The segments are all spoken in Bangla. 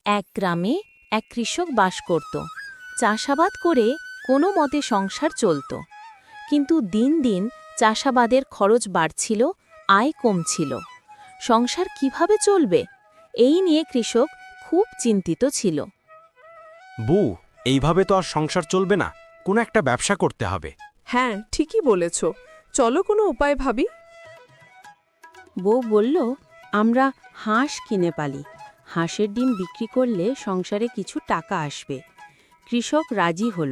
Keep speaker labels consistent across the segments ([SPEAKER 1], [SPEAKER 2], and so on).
[SPEAKER 1] এক গ্রামে এক কৃষক বাস করত। চাষাবাদ করে কোনো মতে সংসার চলত। কিন্তু দিন দিন চাষাবাদের খরচ বাড়ছিল, আয় কমছিল। সংসার কিভাবে চলবে এই নিয়ে কৃষক খুব চিন্তিত ছিল।
[SPEAKER 2] বউ, এইভাবে তো আর সংসার চলবে না, কোনো একটা ব্যবসা করতে হবে।
[SPEAKER 3] হ্যাঁ, ঠিকই বলেছ। চলো কোনো উপায় ভাবি।
[SPEAKER 1] বউ বলল, আমরা হাঁস কিনে পালি। হাঁসের ডিম বিক্রি করলে সংসারে কিছু টাকা আসবে। কৃষক রাজি হল।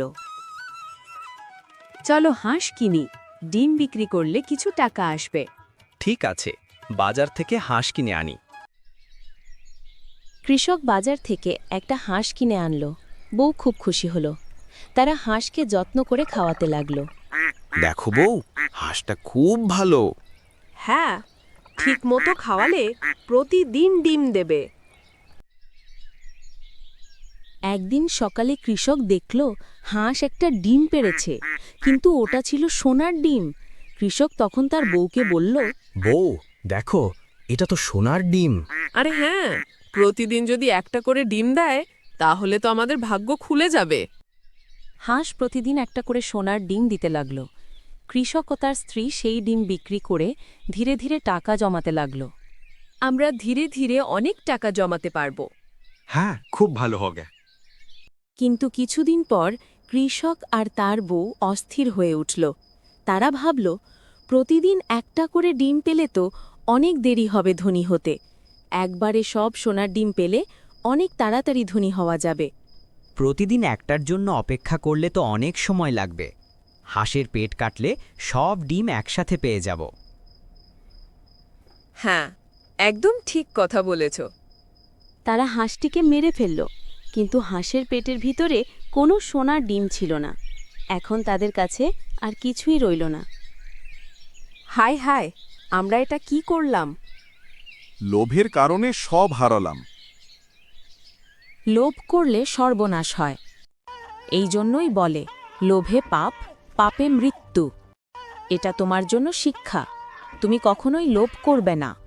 [SPEAKER 1] চলো হাঁস কিনি, ডিম বিক্রি করলে কিছু টাকা আসবে।
[SPEAKER 4] ঠিক আছে, বাজার থেকে হাঁস কিনে আনি।
[SPEAKER 1] কৃষক বাজার থেকে একটা হাঁস কিনে আনলো। বউ খুব খুশি হলো। তারা হাঁসকে যত্ন করে খাওয়াতে লাগলো।
[SPEAKER 2] দেখো বউ, হাঁসটা খুব ভালো।
[SPEAKER 3] হ্যাঁ, ঠিক মতো খাওয়ালে প্রতিদিন ডিম দেবে।
[SPEAKER 1] একদিন সকালে কৃষক দেখল হাঁস একটা ডিম পেড়েছে, কিন্তু ওটা ছিল সোনার ডিম। কৃষক তখন তার বউকে বলল,
[SPEAKER 4] বউ, দেখো, এটা তো সোনার ডিম।
[SPEAKER 3] আরে হ্যাঁ, প্রতিদিন যদি একটা করে ডিম দেয় তাহলে তো আমাদের ভাগ্য খুলে যাবে।
[SPEAKER 1] হাঁস প্রতিদিন একটা করে সোনার ডিম দিতে লাগল। কৃষক ও তার স্ত্রী সেই ডিম বিক্রি করে ধীরে ধীরে টাকা জমাতে লাগল।
[SPEAKER 3] আমরা ধীরে ধীরে অনেক টাকা জমাতে পারবো।
[SPEAKER 2] হ্যাঁ, খুব ভালো হবে।
[SPEAKER 1] কিন্তু কিছুদিন পর কৃষক আর তার বউ অস্থির হয়ে উঠল। তারা ভাবল, প্রতিদিন একটা করে ডিম পেলে তো অনেক দেরি হবে ধনী হতে। একবারে সব সোনার ডিম পেলে অনেক তাড়াতাড়ি ধনী হওয়া যাবে।
[SPEAKER 5] প্রতিদিন একটার জন্য অপেক্ষা করলে তো অনেক সময় লাগবে। হাঁসের পেট কাটলে সব ডিম একসাথে পেয়ে যাব।
[SPEAKER 3] হ্যাঁ, একদম ঠিক কথা বলেছ।
[SPEAKER 1] তারা হাঁসটিকে মেরে ফেলল, কিন্তু হাঁসের পেটের ভিতরে কোনো সোনার ডিম ছিল না। এখন তাদের কাছে আর কিছুই রইল না।
[SPEAKER 3] হায় হায়, আমরা এটা কি করলাম?
[SPEAKER 6] লোভের কারণে সব হারালাম।
[SPEAKER 1] লোভ করলে সর্বনাশ হয়। এই জন্যই বলে, লোভে পাপ, পাপে মৃত্যু। এটা তোমার জন্য শিক্ষা। তুমি কখনোই লোভ করবে না।